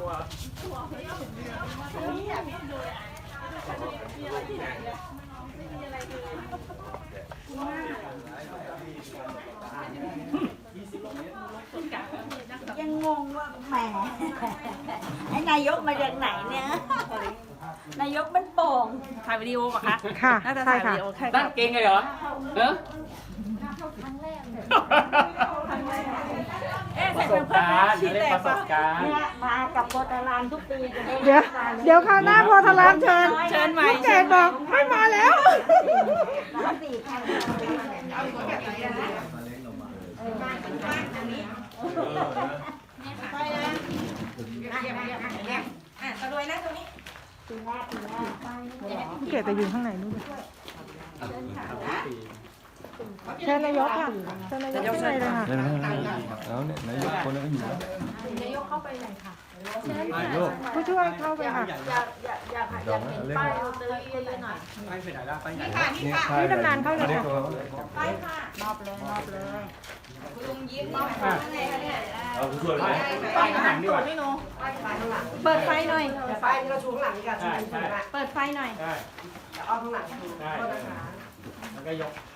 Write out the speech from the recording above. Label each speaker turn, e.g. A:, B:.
A: ยังงงว่าแหมไอ้นายกมาจากไหนเนี่ยนายกมันโป่งถ่ายวิดีโอป่ะคะ
B: ค่ะ
A: น่าจะ
B: ใช่
A: ถ่ายวิ
B: ค่ะ
A: ดีโอแค่
C: นั่งเก่งเลยเหรอเนอะ ประสบการณ์เรียกประสบการณ์
A: เนี่ยมากับโพธารามทุกปีจะได้
B: เดี๋ยวคราวหน้าพอทลามเชิญ
A: เชิญใหม่
B: ลูกเกดบอกไม่มาแล้ว
A: สี่คันตะรวยนะตรงนี้ปีแรก
B: ลูกเกดจะอยู่ข้างไหนนู่นเชิญนายกค่ะเชิญนายกข้างในเลยค่ะ
D: แล้วเนี่ยนายกคนนั้นก็อยู่แล้ว
B: ผู้ช่วยเข้าไปค่ะ
D: เดี๋ยวนะเล่น
C: ไปไหนแล้วไปไหน
B: นี่ตำนานเข้าเลยค่ะ
A: มอบเลย
D: เอาผู้ช่วยไป
C: ไปข้างหลังดีกว่า
A: เปิดไฟหน่อย
E: ไฟเราชูข้างหลังดีกว่า
C: ใช่ใช่
A: เปิดไฟหน่อย
C: ใช่
E: เอาข้างหลังชู
C: ใช่แล้วก็ยก